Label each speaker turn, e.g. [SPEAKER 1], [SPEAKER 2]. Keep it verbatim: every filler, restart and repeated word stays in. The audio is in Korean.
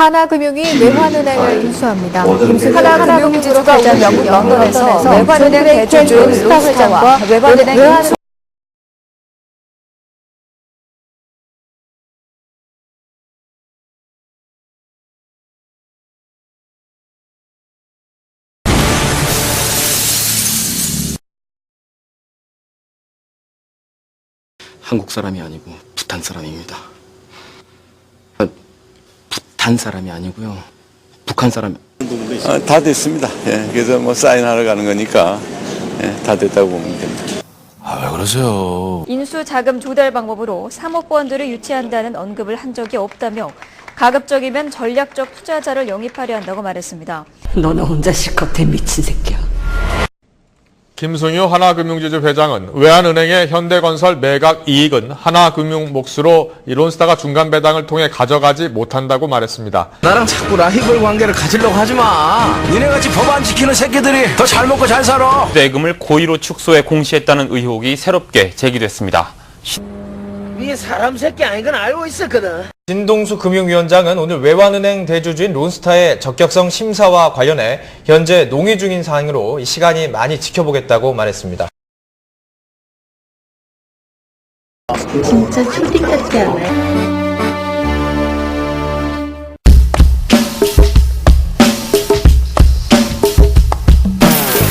[SPEAKER 1] 하나금융이 외환은행을 인수합니다.
[SPEAKER 2] 하나금융지주가 오늘 영국 런던에서 외환은행 대주주 론스타 회장과 외환은행 인수
[SPEAKER 3] 한국 사람이 아니고 부탄 사람입니다. 아, 부탄 사람이 아니고요. 북한 사람.
[SPEAKER 4] 아, 다 됐습니다. 예, 그래서 뭐 사인하러 가는 거니까 예, 다 됐다고 보면 됩니다.
[SPEAKER 5] 아, 왜 그러세요?
[SPEAKER 2] 인수 자금 조달 방법으로 삼억 원들을 유치한다는 언급을 한 적이 없다며 가급적이면 전략적 투자자를 영입하려 한다고 말했습니다.
[SPEAKER 6] 너는 혼자 실컷 해 미친 새끼야.
[SPEAKER 7] 김승유 하나금융지주 회장은 외환은행의 현대건설 매각 이익은 하나금융 몫으로 론스타가 중간 배당을 통해 가져가지 못한다고 말했습니다.
[SPEAKER 5] 나랑 자꾸 라이벌 관계를 가지려고 하지 마. 니네같이 법 안 지키는 새끼들이 더 잘 먹고 잘 살아.
[SPEAKER 8] 대금을 고의로 축소해 공시했다는 의혹이 새롭게 제기됐습니다.
[SPEAKER 9] 네 사람 새끼 아닌 건 알고 있었거든.
[SPEAKER 10] 진동수 금융위원장은 오늘 외환은행 대주주인 론스타의 적격성 심사와 관련해 현재 논의 중인 사항으로 이 시간이 많이 지켜보겠다고 말했습니다.
[SPEAKER 6] 진짜 초딩 같지 않아요?